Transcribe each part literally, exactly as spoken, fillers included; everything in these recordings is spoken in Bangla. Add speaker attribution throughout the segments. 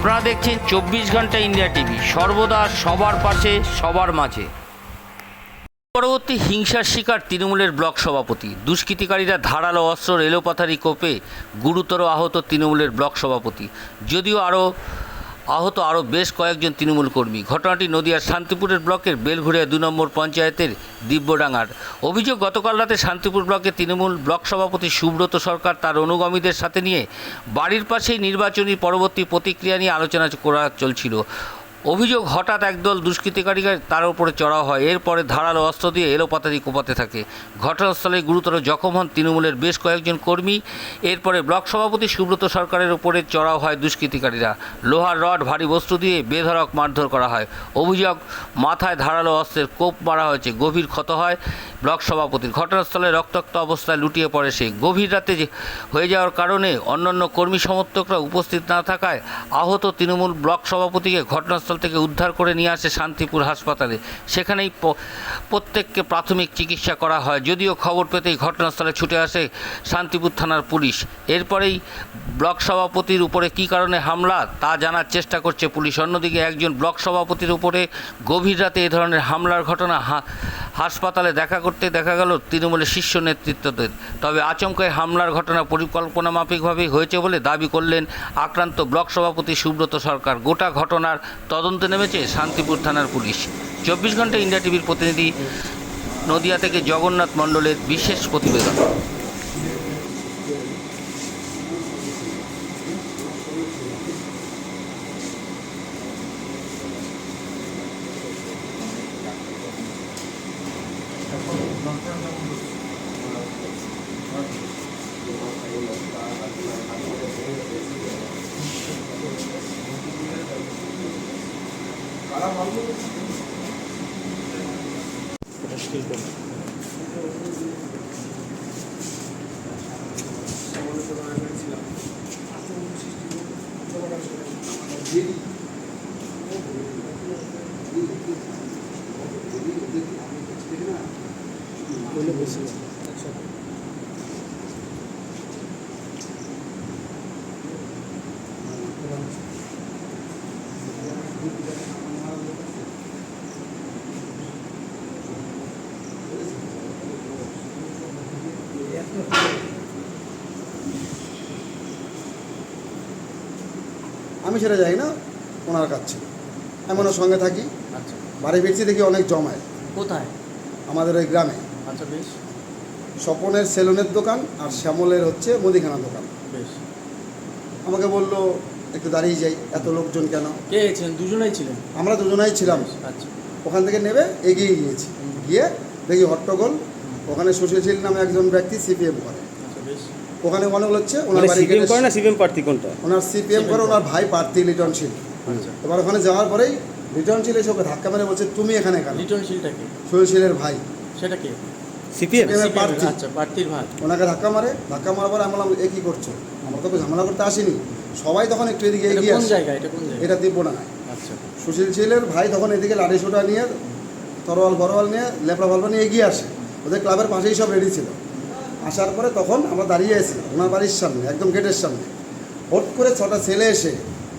Speaker 1: আপনারা দেখছেন চব্বিশ ঘন্টা ইন্ডিয়া টিভি, সর্বদা সবার পাশে সবার মাঝে। পরবর্তী হিংসার শিকার তৃণমূলের ব্লক সভাপতি। দুষ্কৃতিকারীরা ধারালো অস্ত্র রেলোপাথারি কোপে গুরুতর আহত তৃণমূলের ব্লক সভাপতি। যদিও আরও আহত আরও বেশ কয়েকজন তৃণমূল কর্মী। ঘটনাটি নদিয়ার শান্তিপুরের ব্লকের বেলঘুরিয়া দু নম্বর পঞ্চায়েতের দিব্যডাঙ্গার। অভিযোগ, গতকাল রাতে শান্তিপুর ব্লকের তৃণমূল ব্লক সভাপতি সুব্রত সরকার তার অনুগামীদের সাথে নিয়ে বাড়ির পাশেই নির্বাচনী পরবর্তী প্রতিক্রিয়া নিয়ে আলোচনা করা চলছিল। অভিযোগ, হঠাৎ একদল দুষ্কৃতিকারীরা তার উপরে চড়াও হয়। এরপরে ধারালো অস্ত্র দিয়ে এলোপাতাড়ি কোপাতে থাকে। ঘটনাস্থলে গুরুতর জখম হন তৃণমূলের বেশ কয়েকজন কর্মী। এরপরে ব্লক সভাপতি সুব্রত সরকারের উপরে চড়াও হয় দুষ্কৃতিকারীরা। লোহার রড, ভারী বস্তু দিয়ে বেধড়ক মারধর করা হয়। অভিযোগ, মাথায় ধারালো অস্ত্রের কোপ মারা হয়েছে। গভীর ক্ষত হয় ব্লক সভাপতির। ঘটনাস্থলে রক্তাক্ত অবস্থায় লুটিয়ে পড়ে সে। গভীর রাতে হয়ে যাওয়ার কারণে অন্যান্য কর্মী সমর্থকরা উপস্থিত না থাকায় আহত তৃণমূল ব্লক সভাপতিকে ঘটনাস্থল থেকে উদ্ধার করে নিয়ে আসে শান্তিপুর হাসপাতালে। সেখানেই প্রত্যেককে প্রাথমিক চিকিৎসা করা হয়। যদিও খবর পেতেই ঘটনাস্থলে ছুটে আসে শান্তিপুর থানার পুলিশ। এরপরেই ব্লক সভাপতির উপরে কী কারণে হামলা তা জানার চেষ্টা করছে পুলিশ। অন্যদিকে একজন ব্লক সভাপতির উপরে গভীর রাতে এ ধরনের হামলার ঘটনা হাসপাতালে দেখা করতে দেখা গেল তৃণমূলের শীর্ষ নেতৃত্বদের। তবে আচমকায় হামলার ঘটনা পরিকল্পনা মাফিকভাবেই হয়েছে বলে দাবি করলেন আক্রান্ত ব্লক সভাপতি সুব্রত সরকার। গোটা ঘটনার তদন্তে নেমেছে শান্তিপুর থানার পুলিশ। চব্বিশ ঘন্টা ইন্ডিয়া টিভির প্রতিনিধি নদিয়া থেকে জগন্নাথ মণ্ডলের বিশেষ প্রতিবেদন।
Speaker 2: আমি সেটা যাই না, ওনার কাছে আমি ওনার সঙ্গে থাকি।
Speaker 3: আচ্ছা,
Speaker 2: বাড়ি ফিরছি দেখি অনেক জমায়।
Speaker 3: কোথায়?
Speaker 2: আমাদের ওই গ্রামে।
Speaker 3: আচ্ছা, বেশ।
Speaker 2: স্বপনের সেলুনের দোকান আর শ্যামলের হচ্ছে মুদিখানা দোকান।
Speaker 3: বেশ।
Speaker 2: আমাকে বললো একটু দাঁড়িয়ে যাই, এত লোকজন কেন।
Speaker 3: কে ছিলেন? দুজনেই ছিলেন?
Speaker 2: আমরা দুজনাই ছিলাম।
Speaker 3: আচ্ছা।
Speaker 2: ওখান থেকে নেবে এগিয়ে গিয়েছি। গিয়ে দেখি হট্টগোল। ওখানে সুশীল নামে একজন ব্যক্তি সিপিএম করে।
Speaker 3: আচ্ছা, বেশ।
Speaker 2: ওখানে অনেক হচ্ছে ওনার বাড়ি
Speaker 4: সিপিএম করে না, সিপিএম প্রার্থী কোনটা?
Speaker 2: ওনার সিপিএম করে, ওনার ভাই প্রার্থী লিটনশীল।
Speaker 3: আচ্ছা।
Speaker 2: এবার ওখানে যাওয়ার পরেই লিটনশীল এসে ওকে ধাক্কা মেরে বলছে তুমি এখানে কেন।
Speaker 3: লিটনশীলটা কে?
Speaker 2: সুশীলের ভাই।
Speaker 3: সেটা কে?
Speaker 4: সিপিএম
Speaker 2: প্রার্থী।
Speaker 3: আচ্ছা, প্রার্থীর ভাই।
Speaker 2: ওনাকে ধাক্কা মারে। ধাক্কা মারার পরে আমি বললাম এ কী করছো, আমরা তো ঝামেলা করতে আসিনি। সবাই তখন একটু এদিকে এগিয়ে
Speaker 3: কোন
Speaker 2: আসে।
Speaker 3: জায়গা এটা? কোন জায়গা?
Speaker 2: এটা দিব্যডাঙ্গায়।
Speaker 3: আচ্ছা।
Speaker 2: সুশীল ছিলের ভাই তখন এদিকে লাঠি সোটা নিয়ে, তরোয়াল ফরোয়াল নিয়ে, লেপড়া ফালপা নিয়ে এগিয়ে আসে। ওদের ক্লাবের পাশেই সব রেডি ছিল। আসার পরে তখন আমরা দাঁড়িয়ে আছি ওনার বাড়ির সামনে, একদম গেটের সামনে। হট করে ছটা ছেলে এসে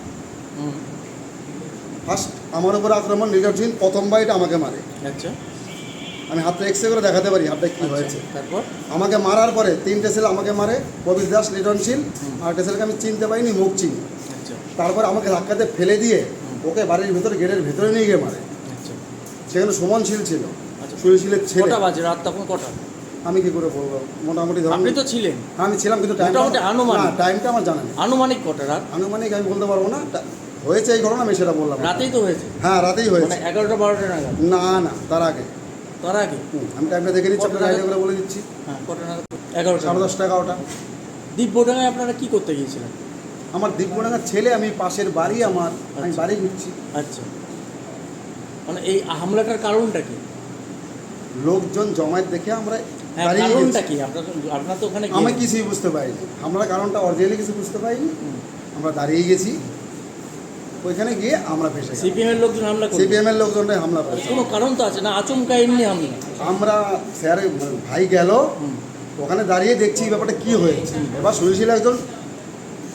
Speaker 2: ফার্স্ট আমার উপর আক্রমণ। লিটনশীল প্রথম বাইট আমাকে মারে।
Speaker 3: আচ্ছা।
Speaker 2: আমি হাতটা এক্সরে করে দেখাতে পারি হাতটা কী হয়েছে।
Speaker 3: তারপর
Speaker 2: আমাকে মারার পরে তিনটে ছেলে আমাকে মারে, কবির দাস, লিটনশীল, আর একটা ছেলেকে আমি চিনতে পারিনি, মুখ চিনি।
Speaker 3: আচ্ছা।
Speaker 2: তারপর আমাকে ধাক্কাতে ফেলে দিয়ে ওকে বাড়ির ভিতরে গেটের ভিতরে নিয়ে গিয়ে মারে।
Speaker 3: আচ্ছা।
Speaker 2: সেখানে সুমন শীল ছিল,
Speaker 3: আচ্ছা।
Speaker 2: সুশীলের ছেলে।
Speaker 3: কটা বাজে? রাত তখন কটা?
Speaker 2: আমি কি করে বলবো, মোটামুটি ধরুন
Speaker 3: আপনি তো ছিলেন।
Speaker 2: আমি ছিলাম, কিন্তু টাইমটা
Speaker 3: মোটামুটি আনুমানিক।
Speaker 2: না, টাইমটা আমার জানা নেই।
Speaker 3: আনুমানিক কটা রাত?
Speaker 2: আনুমানিক আমি বলতে পারবো না। টা- হয়েছে এই ঘটনা, আমি সেটা বললাম।
Speaker 3: রাতেই তো হয়েছে?
Speaker 2: হ্যাঁ, রাতেই
Speaker 3: মানে
Speaker 2: হয়েছে।
Speaker 3: এগারোটা বারোটা নাগাদ?
Speaker 2: না না, তার আগে।
Speaker 3: তার আগে?
Speaker 2: হুম, আমি টাইমটা দেখে নিচ্ছি,
Speaker 3: কটা
Speaker 2: আপনার আইডিয়া
Speaker 3: নাগাদ?
Speaker 2: করে বলে দিচ্ছি।
Speaker 3: হ্যাঁ, কটা নাগাদ? এগারোটা।
Speaker 2: সাড়ে দশটা এগারোটা।
Speaker 3: দিব্যডাঙ্গায় আপনারা কি করতে গিয়েছিলেন?
Speaker 2: আমার দিব্যডাঙ্গার ছেলে, আমি পাশের বাড়ি আমার, আমি বাড়ি ঘুরছি।
Speaker 3: আচ্ছা। মানে এই হামলাটার কারণটা কি?
Speaker 2: লোকজন জমায়েত দেখে আমরা
Speaker 3: হ্যাঁ,
Speaker 2: দাঁড়িয়ে
Speaker 3: কারণটা
Speaker 2: গেছি।
Speaker 3: কি? আপনার আপনার তো ওখানে
Speaker 2: আমি
Speaker 3: গিয়ে-
Speaker 2: কিছুই বুঝতে পারিনি। আমরা কারণটা অরিজিনালি কিছু বুঝতে পারিনি।
Speaker 3: হুম।
Speaker 2: আমরা দাঁড়িয়ে গেছি, ওইখানে গিয়ে আমরা ফেসে গেছি।
Speaker 3: সিপিএম এর লোকজন হামলা করলো?
Speaker 2: সিপিএম এর লোকজনরাই হামলা করেছে।
Speaker 3: কোনো কারণ তো আছে না? আচমকা এমনি হামলা?
Speaker 2: আমরা স্যার ভাই গেল,
Speaker 3: হুম।
Speaker 2: ওখানে দাঁড়িয়ে দেখছি এই ব্যাপারটা কী হয়েছে। এবার সুশীল একজন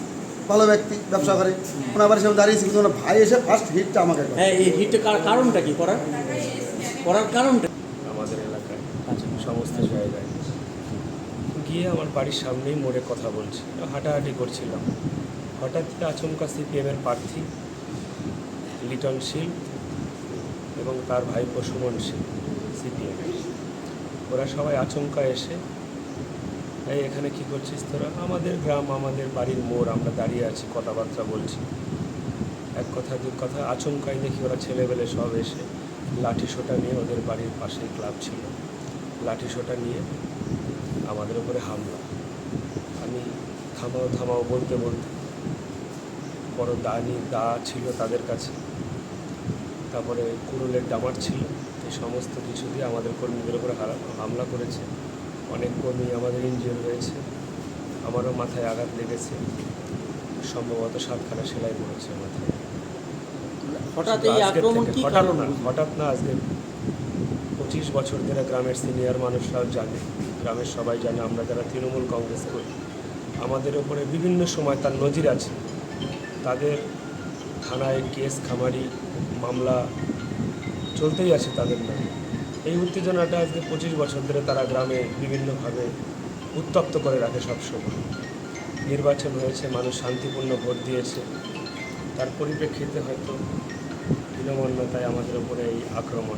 Speaker 2: ভালো ব্যক্তি, ব্যবসা করে। ওনার বাড়ির সামনে দাঁড়িয়েছি, কিন্তু ওনার ভাই এসে ফার্স্ট হিটটা আমাকে করে।
Speaker 3: হ্যাঁ, এই হিটটা কারণটা কি করার করার কারণটা?
Speaker 5: আমাদের এলাকায়
Speaker 3: আচ্ছা,
Speaker 5: সমস্ত জায়গায় গিয়ে আমার বাড়ির সামনেই মোড়ে কথা বলছি, হাঁটাহাঁটি করছিলাম। হঠাৎই আচমকা সিপিএমের প্রার্থী লিটন শীল এবং তার ভাইপো সুমন শীল সিপিএম, ওরা সবাই আচমকা এসে, এই এখানে কী করছিস তোরা? আমাদের গ্রাম, আমাদের বাড়ির মোড়, আমরা দাঁড়িয়ে আছি, কথাবার্তা বলছি। এক কথা দু কথা, আচমকাই দেখি ওরা ছেলেবেলে সব এসে লাঠি সোটা নিয়ে, ওদের বাড়ির পাশেই ক্লাব ছিল, লাঠি সোটা নিয়ে আমাদের উপরে হামলা। আমি থামাও থামাও বলতে বলতে, বড় দা নিয়ে দা ছিল তাদের কাছে, তারপরে কুড়ুলের ডামার ছিল, এই সমস্ত কিছু দিয়ে আমাদের কর্মীদের উপরে হামলা করেছে। অনেক কর্মী আমাদের ইনজিওর হয়েছে, আমারও মাথায় আঘাত লেগেছে, সম্ভবত সাতখানা সেলাই পড়েছে মাথায়।
Speaker 3: হঠাৎ এই
Speaker 5: আজকের
Speaker 3: আক্রমণ
Speaker 5: থেকে
Speaker 3: কি
Speaker 5: হঠাৎ
Speaker 3: কারণ?
Speaker 5: না, হঠাৎ না, আজকে পঁচিশ বছর ধরে গ্রামের সিনিয়র মানুষরাও জানে, গ্রামের সবাই জানে, আমরা যারা তৃণমূল কংগ্রেস করি, আমাদের ওপরে বিভিন্ন সময় তার নজির আছে। তাদের থানায় কেস খামারি মামলা চলতেই আছে তাদের নামে। এই উত্তেজনাটা আজকে পঁচিশ বছর ধরে তারা গ্রামে বিভিন্নভাবে উত্তপ্ত করে রাখে সবসময়। নির্বাচন হয়েছে, মানুষ শান্তিপূর্ণ ভোট দিয়েছে, তার পরিপ্রেক্ষিতে হয়তো হীনমন্যতায় আমাদের উপরে এই আক্রমণ।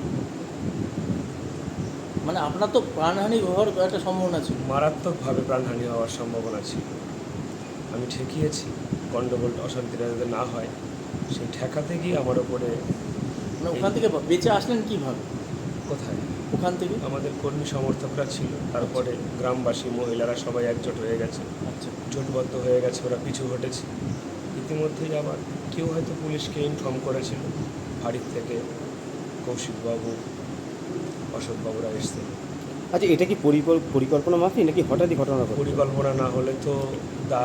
Speaker 3: মানে আপনার তো প্রাণহানি হওয়ার একটা সম্ভাবনা ছিল।
Speaker 5: মারাত্মকভাবে প্রাণহানি হওয়ার সম্ভাবনা ছিল। আমি ঠেকিয়েছি গণ্ডগোল অশান্তিটা যাতে না হয়, সেই ঠেকাতে গিয়ে আমার ওপরে।
Speaker 3: মানে ওখান থেকে বেঁচে আসলেন কিভাবে?
Speaker 5: কোথায়?
Speaker 3: ওখান থেকে
Speaker 5: আমাদের কর্মী সমর্থকরা ছিল, তারপরে গ্রামবাসী মহিলারা সবাই একজোট হয়ে গেছে,
Speaker 3: আচ্ছা,
Speaker 5: জোটবদ্ধ হয়ে গেছে, ওরা পিছু হটেছে। ইতিমধ্যেই আবার কেউ হয়তো পুলিশকে ইনফর্ম করেছিল, বাড়ির থেকে কৌশিকবাবু, অশোকবাবুরা এসছে।
Speaker 4: আচ্ছা, এটা কি পরিকল- পরিকল্পনা মাফিক নাকি হঠাৎই ঘটনা ঘটে?
Speaker 5: পরিকল্পনা না হলে তো দা,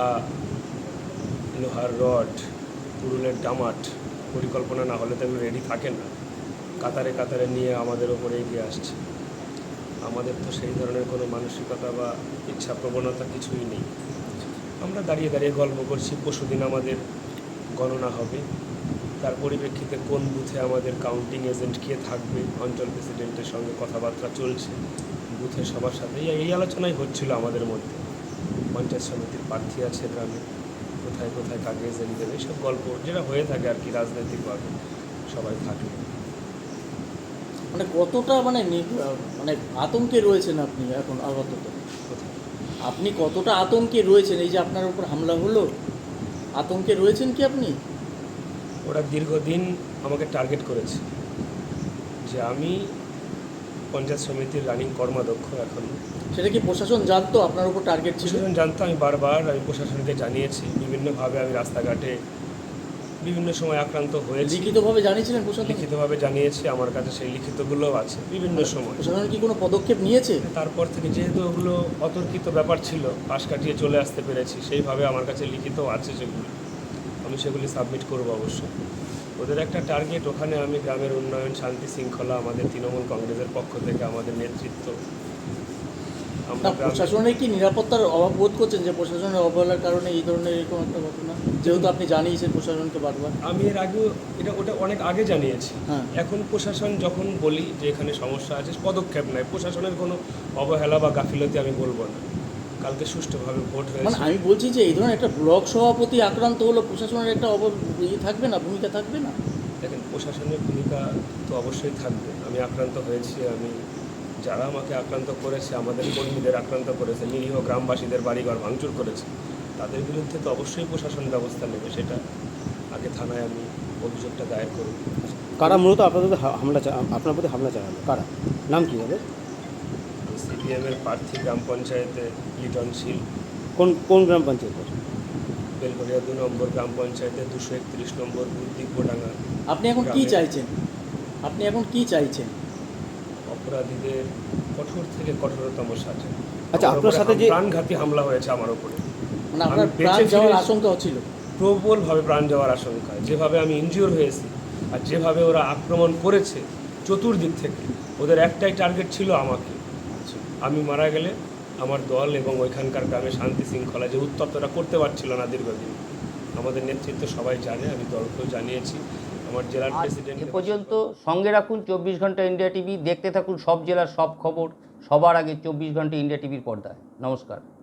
Speaker 5: লোহার রড, পুরুলের ডামাট, পরিকল্পনা না হলে তো এগুলো রেডি থাকে না। কাতারে কাতারে নিয়ে আমাদের ওপরে এগিয়ে আসছে। আমাদের তো সেই ধরনের কোনো মানসিকতা বা ইচ্ছা প্রবণতা কিছুই নেই। আমরা দাঁড়িয়ে দাঁড়িয়ে গল্প করছি। পরশুদিন আমাদের গণনা হবে, তার পরিপ্রেক্ষিতে কোন বুথে আমাদের কাউন্টিং এজেন্ট কে থাকবে, অঞ্চল প্রেসিডেন্টের সঙ্গে কথাবার্তা চলছে, বুথের সবার সাথে এই এই আলোচনাই হচ্ছিল আমাদের মধ্যে। পঞ্চায়েত সমিতির প্রার্থী আছে গ্রামে, কোথায় কোথায় কাকে এজেন্ট দেবে, এইসব গল্প যেটা হয়ে থাকে আর কি রাজনৈতিকভাবে সবাই থাকে।
Speaker 3: মানে কতটা মানে নি- মানে আতঙ্কে রয়েছেন আপনি এখন আপাতত?
Speaker 5: কোথায়?
Speaker 3: আপনি কতটা আতঙ্কে রয়েছেন? এই যে আপনার উপর হামলা হলো, আতঙ্কে রয়েছেন কি আপনি?
Speaker 5: ওরা দীর্ঘদিন আমাকে টার্গেট করেছে যে আমি পঞ্চায়েত সমিতির রানিং কর্মাধ্যক্ষ। এখন
Speaker 3: সেটা কি প্রশাসন জানতো আপনার উপর টার্গেট ছিল?
Speaker 5: প্রশাসন জানতো, আমি বারবার আমি প্রশাসনকে জানিয়েছি, বিভিন্নভাবে আমি রাস্তাঘাটে বিভিন্ন সময় আক্রান্ত হয়েছি,
Speaker 3: লিখিতভাবে জানিয়েছিলেন প্রশাসন?
Speaker 5: লিখিতভাবে জানিয়েছি, আমার কাছে সেই লিখিতগুলোও আছে বিভিন্ন সময়।
Speaker 3: প্রশাসন কি কোনো পদক্ষেপ নিয়েছে?
Speaker 5: তারপর থেকে যেহেতু ওগুলো অতর্কিত ব্যাপার ছিল, পাশ কাটিয়ে চলে আসতে পেরেছি, সেইভাবে আমার কাছে লিখিতও আছে সেগুলো, আমি সেগুলি সাবমিট করব অবশ্যই। ওদের একটা টার্গেট, ওখানে আমি গ্রামের উন্নয়ন, শান্তি শৃঙ্খলা, আমাদের তৃণমূল কংগ্রেসের পক্ষ থেকে আমাদের নেতৃত্ব, আমরা
Speaker 3: না,
Speaker 5: গ্রামে-
Speaker 3: প্রশাসনের কি নিরাপত্তার অভাব বোধ করছেন যে প্রশাসনের অবহেলার কারণে এই ধরনের এরকম একটা ঘটনা, যেহেতু আপনি জানিয়েছেন প্রশাসনকে বারবার?
Speaker 5: আমি এর আগেও এটা ওটা অনেক আগে জানিয়েছি।
Speaker 3: হ্যাঁ।
Speaker 5: এখন প্রশাসন যখন বলি যে এখানে সমস্যা আছে, পদক্ষেপ নেয়। প্রশাসনের কোনো অবহেলা বা গাফিলতি আমি বলবো না। কালকে সুষ্ঠুভাবে ভোট
Speaker 3: মানে
Speaker 5: হয়েছে।
Speaker 3: আমি বলছি যে এই ধরনের একটা ব্লক সভাপতি আক্রান্ত হলো, প্রশাসনের একটা অব ইয়ে থাকবে না, ভূমিকা থাকবে না?
Speaker 5: দেখেন, প্রশাসনের ভূমিকা তো অবশ্যই থাকবে। আমি আক্রান্ত হয়েছি, আমি যারা আমাকে আক্রান্ত করেছে, আমাদের কর্মীদের আক্রান্ত করেছে, নিরীহ গ্রামবাসীদের বাড়িঘর ভাঙচুর করেছে, তাদের বিরুদ্ধে তো অবশ্যই প্রশাসন ব্যবস্থা নেবে। সেটা আগে থানায় আমি অভিযোগটা দায়ের করব।
Speaker 4: কারা মূলত আপনাদের হা- হামলা চা- আপনার প্রতি হামলা চালানো? কারা? নাম কি হবে?
Speaker 5: সিপিএমের প্রার্থী গ্রাম পঞ্চায়েতে লিটন শীল,
Speaker 4: কোন কোন গ্রাম পঞ্চায়েতের?
Speaker 5: বেলঘরিয়া দু নম্বর গ্রাম পঞ্চায়েতের দুশো একত্রিশ নম্বর বুথ দিব্যডাঙ্গা।
Speaker 3: আপনি এখন কি
Speaker 5: গ্রামে
Speaker 3: চাইছেন? আপনি এখন কি চাইছেন?
Speaker 5: অপরাধীদের কঠোর থেকে কঠোরতম সাজা।
Speaker 4: আচ্ছা,
Speaker 5: আমার
Speaker 4: আপনার
Speaker 5: উপরে
Speaker 4: সাথে
Speaker 5: হাম-
Speaker 4: যে-
Speaker 5: প্রাণঘাতী হামলা হয়েছে আমার উপরে,
Speaker 3: মানে আপনার
Speaker 5: আমি
Speaker 3: প্রাণ
Speaker 5: বেঁচে
Speaker 3: যাওয়ার
Speaker 5: ফিরে-
Speaker 3: আশঙ্কা হচ্ছিল?
Speaker 5: প্রবলভাবে প্রাণ যাওয়ার আশঙ্কা। যেভাবে আমি ইনজিওর হয়েছি আর যেভাবে ওরা আক্রমণ করেছে চতুর্দিক থেকে, ওদের একটাই টার্গেট ছিল আমাকে। আমি মারা গেলে আমার দল এবং ওইখানকার গ্রামে শান্তি শৃঙ্খলা যে উত্তপ্তটা করতে পারছিল না দীর্ঘদিন, আমাদের নেতৃত্ব সবাই জানে, আমি দলকেও জানিয়েছি, আমার জেলার
Speaker 1: আজ
Speaker 5: প্রেসিডেন্ট
Speaker 1: এ পর্যন্ত সঙ্গে রাখুন চব্বিশ ঘন্টা ইন্ডিয়া টিভি, দেখতে থাকুন সব জেলার সব খবর সবার আগে চব্বিশ ঘন্টা ইন্ডিয়া টিভির পর্দায়। নমস্কার।